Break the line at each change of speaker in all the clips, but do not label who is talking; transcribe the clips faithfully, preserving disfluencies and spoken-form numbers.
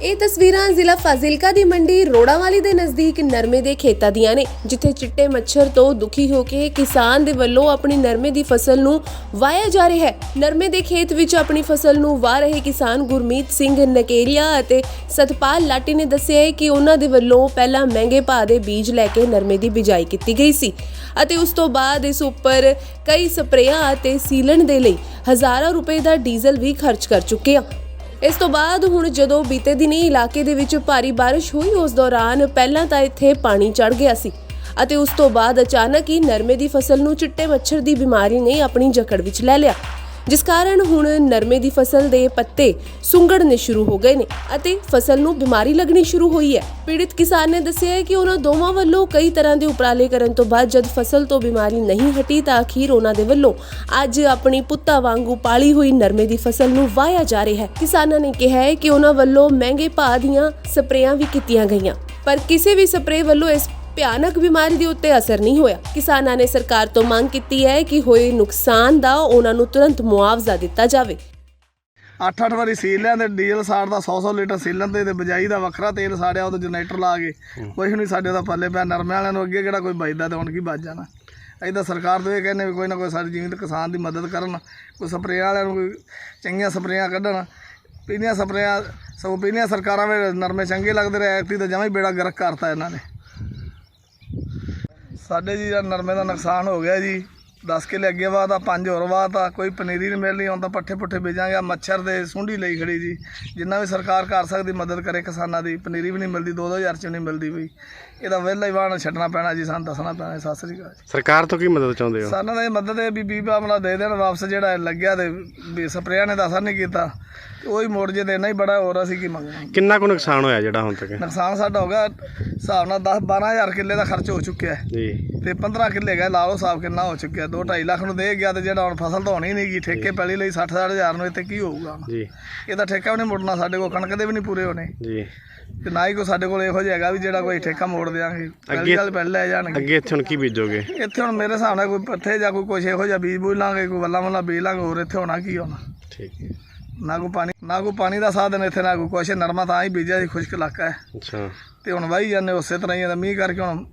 ਇਹ ਤਸਵੀਰਾਂ ਜ਼ਿਲ੍ਹਾ ਫਾਜ਼ਿਲਕਾ ਦੀ ਮੰਡੀ ਰੋੜਾਵਾਲੀ ਦੇ ਨਜ਼ਦੀਕ ਨਰਮੇ ਦੇ ਖੇਤਾਂ ਦੀਆਂ ਨੇ, ਜਿੱਥੇ ਚਿੱਟੇ ਮੱਛਰ ਤੋਂ ਦੁਖੀ ਹੋ ਕੇ ਕਿਸਾਨ ਦੇ ਵੱਲੋਂ ਆਪਣੀ ਨਰਮੇ ਦੀ ਫਸਲ ਨੂੰ ਵਾਹਿਆ ਜਾ ਰਿਹਾ ਹੈ। ਨਰਮੇ ਦੇ ਖੇਤ ਵਿੱਚ ਆਪਣੀ ਫਸਲ ਨੂੰ ਵਾਹ ਰਹੇ ਕਿਸਾਨ ਗੁਰਮੀਤ ਸਿੰਘ ਨਕੇਰੀਆ ਅਤੇ ਸਤਪਾਲ ਲਾਟੀ ਨੇ ਦੱਸਿਆ ਹੈ ਕਿ ਉਹਨਾਂ ਦੇ ਵੱਲੋਂ ਪਹਿਲਾਂ ਮਹਿੰਗੇ ਭਾਅ ਦੇ ਬੀਜ ਲੈ ਕੇ ਨਰਮੇ ਦੀ ਬਿਜਾਈ ਕੀਤੀ ਗਈ ਸੀ ਅਤੇ ਉਸ ਤੋਂ ਬਾਅਦ ਇਸ ਉੱਪਰ ਕਈ ਸਪਰੇਆਂ ਅਤੇ ਸੀਲਣ ਦੇ ਲਈ ਹਜ਼ਾਰਾਂ ਰੁਪਏ ਦਾ ਡੀਜ਼ਲ ਵੀ ਖਰਚ ਕਰ ਚੁੱਕੇ ਆ। ਇਸ ਤੋਂ ਬਾਅਦ ਹੁਣ ਜਦੋਂ ਬੀਤੇ ਦਿਨੀ ਇਲਾਕੇ ਦੇ ਵਿੱਚ ਭਾਰੀ ਬਾਰਿਸ਼ ਹੋਈ, ਉਸ ਦੌਰਾਨ ਪਹਿਲਾਂ ਤਾਂ ਇੱਥੇ ਪਾਣੀ ਚੜ ਗਿਆ ਸੀ ਅਤੇ ਉਸ ਤੋਂ ਬਾਅਦ ਅਚਾਨਕ ਹੀ ਨਰਮੇ ਦੀ ਫਸਲ ਨੂੰ ਚਿੱਟੇ ਮੱਛਰ ਦੀ ਬਿਮਾਰੀ ਨੇ ਆਪਣੀ ਜਕੜ ਵਿੱਚ ਲੈ ਲਿਆ, ਜਿਸ ਕਾਰਨ ਹੁਣ ਨਰਮੇ ਦੀ ਫਸਲ ਦੇ ਪੱਤੇ ਸੁੰਗੜਨੇ ਸ਼ੁਰੂ ਹੋ ਗਏ ਨੇ ਅਤੇ ਫਸਲ ਨੂੰ ਬਿਮਾਰੀ ਲੱਗਣੀ ਸ਼ੁਰੂ ਹੋਈ ਹੈ। ਪੀੜਿਤ ਕਿਸਾਨ ਨੇ ਦੱਸਿਆ ਹੈ ਕਿ ਉਹਨਾਂ ਦੋਵਾਂ ਵੱਲੋਂ ਕਈ ਤਰ੍ਹਾਂ ਦੇ ਉਪਰਾਲੇ ਕਰਨ ਤੋਂ ਬਾਅਦ ਜਦ ਫਸਲ ਤੋਂ ਬਿਮਾਰੀ ਨਹੀਂ ਹਟੀ ਤਾਂ ਅਖੀਰ ਉਹਨਾਂ ਦੇ ਵੱਲੋਂ ਅੱਜ ਆਪਣੀ ਪੁੱਤਾਂ ਵਾਂਗੂ ਪਾਲੀ ਹੋਈ ਨਰਮੇ ਦੀ ਫਸਲ ਨੂੰ ਵਾਹਿਆ ਜਾ ਰਿਹਾ ਹੈ। ਕਿਸਾਨਾਂ ਨੇ ਕਿਹਾ ਹੈ ਕਿ ਉਹਨਾਂ ਵੱਲੋਂ ਮਹਿੰਗੇ ਭਾਅ ਦੀਆਂ ਸਪਰੇਆਂ ਵੀ ਕੀਤੀਆਂ ਗਈਆਂ, ਪਰ ਕਿਸੇ ਵੀ ਸਪਰੇ ਵੱਲੋਂ ਇਸ ਭਿਆਨਕ ਬਿਮਾਰੀ ਦੇ ਉੱਤੇ ਅਸਰ ਨਹੀਂ ਹੋਇਆ। ਕਿਸਾਨਾਂ ਨੇ ਸਰਕਾਰ ਤੋਂ ਮੰਗ ਕੀਤੀ ਹੈ ਕਿ ਹੋਏ ਨੁਕਸਾਨ ਦਾ ਉਹਨਾਂ ਨੂੰ ਤੁਰੰਤ ਮੁਆਵਜ਼ਾ ਦਿੱਤਾ ਜਾਵੇ।
ਅੱਠ ਅੱਠ ਵਾਰੀ ਸੀਲ ਲਿਆ ਤੇ ਡੀਜ਼ਲ ਸਾੜਦਾ, ਸੌ ਸੌ ਲੀਟਰ ਸੀਲਣ ਤੇ ਬਜਾਈ ਦਾ ਵੱਖਰਾ ਤੇਲ ਸਾੜਿਆ, ਉਹਦਾ ਜਨਰੇਟਰ ਲਾ ਕੇ ਕੁਛ ਨਹੀਂ ਸਾਡੇ ਦਾ ਪੱਲੇ ਪਿਆ। ਨਰਮੇ ਵਾਲਿਆਂ ਨੂੰ ਅੱਗੇ ਕਿਹੜਾ ਕੋਈ ਬਚਦਾ ਤੇ ਹੁਣ ਕੀ ਬਚ ਜਾਣਾ। ਅਸੀਂ ਤਾਂ ਸਰਕਾਰ ਤੋਂ ਇਹ ਕਹਿੰਦੇ ਵੀ ਕੋਈ ਨਾ ਕੋਈ ਸਾਡੀ ਜੀਵਨ ਕਿਸਾਨ ਦੀ ਮਦਦ ਕਰਨ, ਕੋਈ ਸਪਰੇਆਂ ਵਾਲਿਆਂ ਨੂੰ ਕੋਈ ਚੰਗੀਆਂ ਸਪਰੇਆਂ ਕੱਢਣ। ਪੀਲੀਆਂ ਸਪਰੇਆਂ ਸਗੋਂ ਪੀਲੀਆਂ ਸਰਕਾਰਾਂ ਵਿੱਚ ਨਰਮੇ ਚੰਗੇ ਲੱਗਦੇ ਰਹੇ, ਐਤਕੀ ਤਾਂ ਜਮਾਂ ਹੀ ਬੇੜਾ ਗਰਕ ਕਰਤਾ ਇਹਨਾਂ ਨੇ। ਸਾਡੇ ਜੀ ਨਰਮੇ ਦਾ ਨੁਕਸਾਨ ਹੋ ਗਿਆ ਜੀ, ਦਸ ਕਿੱਲੇ ਅੱਗੇ ਵਾਹ ਤਾਂ ਪੰਜ ਹੋਰ ਵਾਹ ਤਾਂ ਕੋਈ ਪਨੀਰੀ ਨਹੀਂ ਮਿਲਣੀ, ਹੁਣ ਤਾਂ ਪੱਠੇ ਪੁੱਠੇ ਬੀਜਾਂਗੇ। ਮੱਛਰ ਦੇ ਸੁੰਡੀ ਲਈ ਖੜੀ ਜੀ, ਜਿੰਨਾ ਵੀ ਸਰਕਾਰ ਕਰ ਸਕਦੀ ਮਦਦ ਕਰੇ ਕਿਸਾਨਾਂ ਦੀ। ਪਨੀਰੀ ਵੀ ਨਹੀਂ ਮਿਲਦੀ, ਦੋ ਦੋ ਹਜ਼ਾਰ 'ਚ ਨਹੀਂ ਮਿਲਦੀ ਪਈ। ਇਹਦਾ ਵਿਹਲਾ ਹੀ ਵਾਹਣ ਛੱਡਣਾ ਪੈਣਾ ਜੀ, ਸਾਨੂੰ ਦੱਸਣਾ ਪੈਣਾ। ਸਤਿ ਸ੍ਰੀ ਅਕਾਲ।
ਸਰਕਾਰ ਤੋਂ ਕੀ ਮਦਦ ਚਾਹੁੰਦੇ ਹੋ?
ਸਾਨੂੰ ਤਾਂ ਇਹ ਮਦਦ ਹੈ ਵੀ ਵੀਹ ਮਾਮਲਾ ਦੇ ਦੇਣ ਵਾਪਸ, ਜਿਹੜਾ ਲੱਗਿਆ ਤੇ ਸਪਰੇਆਂ ਨੇ ਤਾਂ ਅਸਰ ਨਹੀਂ ਕੀਤਾ, ਉਹੀ ਮੋੜ ਜੇ ਤੇ ਇੰਨਾ ਹੀ ਬੜਾ ਹੋਰ ਅਸੀਂ ਕੀ ਮੰਗਣਾ।
ਕਿੰਨਾ ਕੁ ਨੁਕਸਾਨ ਹੋਇਆ ਜਿਹੜਾ ਹੁਣ ਤੱਕ?
ਨੁਕਸਾਨ ਸਾਡਾ ਹੋ ਗਿਆ ਹਿਸਾਬ ਨਾਲ ਦਸ ਬਾਰਾਂ ਹਜ਼ਾਰ ਕਿੱਲੇ ਦਾ ਖਰਚ ਹੋ ਚੁੱਕਿਆ
ਜੀ,
ਤੇ ਪੰਦਰਾਂ ਕਿੱਲੇ ਗਏ, ਲਾ ਲਓ ਹਿਸਾਬ ਕਿੰਨਾ ਹੋ ਚੁੱਕਿਆ। ਦੋ ਢਾਈ ਲੱਖ ਨੂੰ ਦੇ ਗਿਆ ਤੇ ਜਿਹੜਾ ਹੁਣ ਫਸਲ ਤਾਂ ਹੋਣੀ ਨਹੀਂ ਗੀ, ਠੇਕੇ ਪੈਲੀ ਲਈ ਸੱਠ ਸੱਠ ਹਜ਼ਾਰ ਨੂੰ ਇੱਥੇ ਕੀ ਹੋਊਗਾ
ਜੀ।
ਇਹਦਾ ਠੇਕਾ ਵੀ ਨਹੀਂ ਮੁੜਨਾ, ਸਾਡੇ ਕੋਲ ਕਣਕ ਦੇ ਵੀ ਨਹੀਂ ਪੂਰੇ ਹੋਣੇ
ਜੀ,
ਤੇ ਨਾ ਹੀ ਕੋਈ ਸਾਡੇ ਕੋਲ ਇਹੋ ਜਿਹਾ ਹੈਗਾ ਵੀ ਜਿਹੜਾ ਕੋਈ ਠੇਕਾ ਮੋੜ ਦਿਆਂਗੇ। ਪਹਿਲੀ ਗੱਲ ਪਹਿਲੇ ਲੈ ਜਾਣਗੇ।
ਅੱਗੇ ਇੱਥੇ ਹੁਣ ਕੀ ਬੀਜੋਗੇ?
ਇੱਥੇ ਹੁਣ ਮੇਰੇ ਹਿਸਾਬ ਨਾਲ ਕੋਈ ਪੱਠੇ ਜਾਂ ਕੋਈ ਕੁਛ ਇਹੋ ਜਿਹਾ ਬੀਜ ਬੂਝ ਲਾਂਗੇ, ਕੋਈ ਵੱਲਾ ਵੱਲਾ ਬੀਜ ਲਾਂਗੇ। ਹੋਰ ਇੱਥੇ ਹੋਣਾ ਕੀ ਹੋਣਾ?
ਠੀਕ ਹੈ।
ਨਾ ਕੋਈ ਪਾਣੀ ਨਾ ਕੋਈ ਪਾਣੀ ਦਾ ਸਾਧਨ ਇੱਥੇ, ਨਾ ਕੋਈ ਕੁਛ। ਨਰਮਾ ਤਾਂ ਹੀ ਬੀਜਿਆ ਜੀ, ਖੁਸ਼ਕ ਇਲਾਕਾ ਹੈ।
ਅੱਛਾ।
ਤੇ ਹੁਣ ਵਾਹੀ ਜਾਂਦੇ ਉਸੇ ਤਰ੍ਹਾਂ ਹੀ। ਮੀਂਹ ਕਰਕੇ ਹੁਣ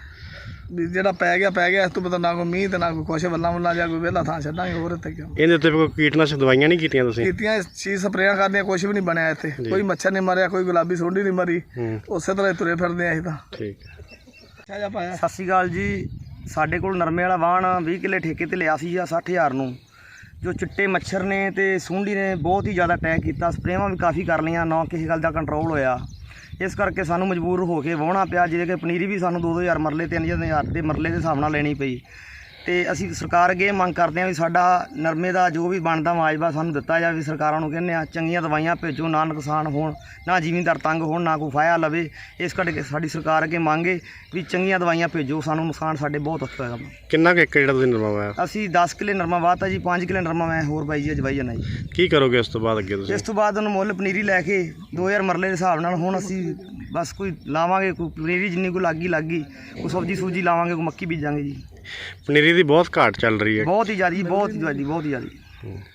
ਵੀ ਜਿਹੜਾ ਪੈ ਗਿਆ ਪੈ ਗਿਆ, ਇਸ ਤੋਂ ਪਤਾ ਨਾ ਕੋਈ ਮੀਂਹ ਤੇ ਨਾ ਕੋਈ ਕੁਛ। ਵੱਲਾ ਵੱਲਾ ਜਾਂ ਕੋਈ ਵਿਹਲਾ ਥਾਂ ਛੱਡਾਂਗੇ, ਹੋਰ ਇੱਥੇ ਕਿਉਂ।
ਇਹਦੇ ਉੱਤੇ ਕੋਈ ਕੀਟਨਾਸ਼ਕ ਦਵਾਈਆਂ ਨਹੀਂ ਕੀਤੀਆਂ ਤੁਸੀਂ?
ਕੀਤੀਆਂ, ਛੇ ਸਪਰੇਆਂ ਕਰਦੀਆਂ, ਕੁਛ ਵੀ ਨਹੀਂ ਬਣਿਆ ਇੱਥੇ। ਕੋਈ ਮੱਛਰ ਨਹੀਂ ਮਰਿਆ, ਕੋਈ ਗੁਲਾਬੀ ਸੁੰਡੀ ਨਹੀਂ ਮਰੀ, ਉਸੇ ਤਰ੍ਹਾਂ ਤੁਰੇ ਫਿਰਦੇ ਆ ਅਸੀਂ ਤਾਂ।
ਠੀਕ ਹੈ।
ਪਾਇਆ।
ਸਤਿ ਸ਼੍ਰੀ ਅਕਾਲ ਜੀ। ਸਾਡੇ ਕੋਲ ਨਰਮੇ ਵਾਲਾ ਵਾਹਣ ਵੀਹ ਕਿੱਲੇ ਠੇਕੇ ਤੇ ਲਿਆ ਸੀ ਜਾਂ ਸੱਠ ਹਜ਼ਾਰ ਨੂੰ। ਜੋ ਚਿੱਟੇ ਮੱਛਰ ਨੇ ਤੇ ਸੁੰਡੀ ਨੇ ਬਹੁਤ ਹੀ ਜ਼ਿਆਦਾ ਅਟੈਕ ਕੀਤਾ। ਸਪਰੇਆਂ ਵੀ ਕਾਫੀ ਕਰ ਲਈਆਂ, ਨਾ ਕਿਸੇ ਗੱਲ ਦਾ ਕੰਟਰੋਲ ਹੋਇਆ। ਇਸ ਕਰਕੇ ਸਾਨੂੰ ਮਜਬੂਰ ਹੋ ਕੇ ਵਾਹੁਣਾ ਪਿਆ, ਜਿਹਦੇ ਕਿ ਪਨੀਰੀ ਵੀ ਸਾਨੂੰ ਦੋ ਦੋ ਹਜ਼ਾਰ ਮਰਲੇ ਤਿੰਨ ਹਜ਼ਾਰ ਦੇ ਮਰਲੇ ਦੇ ਹਿਸਾਬ ਨਾਲ ਲੈਣੀ ਪਈ। ਤੇ ਅਸੀਂ ਸਰਕਾਰ ਅੱਗੇ ਮੰਗ ਕਰਦੇ ਹਾਂ ਵੀ ਸਾਡਾ ਨਰਮੇ ਦਾ ਜੋ ਵੀ ਬਣਦਾ ਮੁਆਵਜ਼ਾ ਸਾਨੂੰ ਦਿੱਤਾ ਜਾਵੇ। ਸਰਕਾਰਾਂ ਨੂੰ ਕਹਿੰਦੇ ਆ ਚੰਗੀਆਂ ਦਵਾਈਆਂ ਭੇਜੋ, ਨਾ ਨੁਕਸਾਨ ਹੋਣ, ਨਾ ਜ਼ਿਮੀਂਦਾਰ ਤੰਗ ਹੋਣ, ਨਾ ਕੋਈ ਫਾਇਆ ਲਵੇ। ਇਸ ਕਰਕੇ ਸਾਡੀ ਸਰਕਾਰ ਅੱਗੇ ਮੰਗ ਹੈ ਵੀ ਚੰਗੀਆਂ ਦਵਾਈਆਂ ਭੇਜੋ, ਸਾਨੂੰ ਨੁਕਸਾਨ ਸਾਡੇ ਬਹੁਤ ਔਖਾ ਹੋਇਆ।
ਕਿੰਨਾ ਕੁ ਏਕੜ ਜਿਹੜਾ ਤੁਸੀਂ ਨਰਮਾ ਵਾਇਆ?
ਅਸੀਂ ਦਸ ਕਿੱਲੇ ਨਰਮਾ ਵਾਹਤਾ ਜੀ, ਪੰਜ ਕਿੱਲੇ ਨਰਮਾ ਮੈਂ ਹੋਰ ਬਾਈ ਜੀ ਅਜਵਾਈ ਜਾਣਾ ਜੀ।
ਕੀ ਕਰੋਗੇ ਉਸ ਤੋਂ ਬਾਅਦ ਅੱਗੇ ਤੁਸੀਂ?
ਇਸ ਤੋਂ ਬਾਅਦ ਉਹਨੂੰ ਮੁੱਲ ਪਨੀਰੀ ਲੈ ਕੇ ਦੋ ਹਜ਼ਾਰ ਮਰਲੇ ਦੇ ਹਿਸਾਬ ਨਾਲ ਹੁਣ ਅਸੀਂ ਬਸ ਕੋਈ ਲਾਵਾਂਗੇ, ਕੋਈ ਪਨੀਰੀ ਜਿੰਨੀ ਕੋਈ ਲੱਗੀ ਲੱਗੀ, ਕੋਈ ਸਬਜ਼ੀ ਸੂਜੀ ਲਾਵਾਂਗੇ, ਕੋਈ ਮੱਕੀ ਬੀਜਾਂਗੇ ਜੀ।
ਪਨੀਰੀ ਦੀ ਬਹੁਤ ਘਾਟ ਚੱਲ ਰਹੀ ਹੈ।
ਬਹੁਤ ਹੀ ਜ਼ਿਆਦਾ, ਬਹੁਤ ਹੀ ਜ਼ਿਆਦਾ, ਬਹੁਤ ਹੀ ਜ਼ਿਆਦਾ।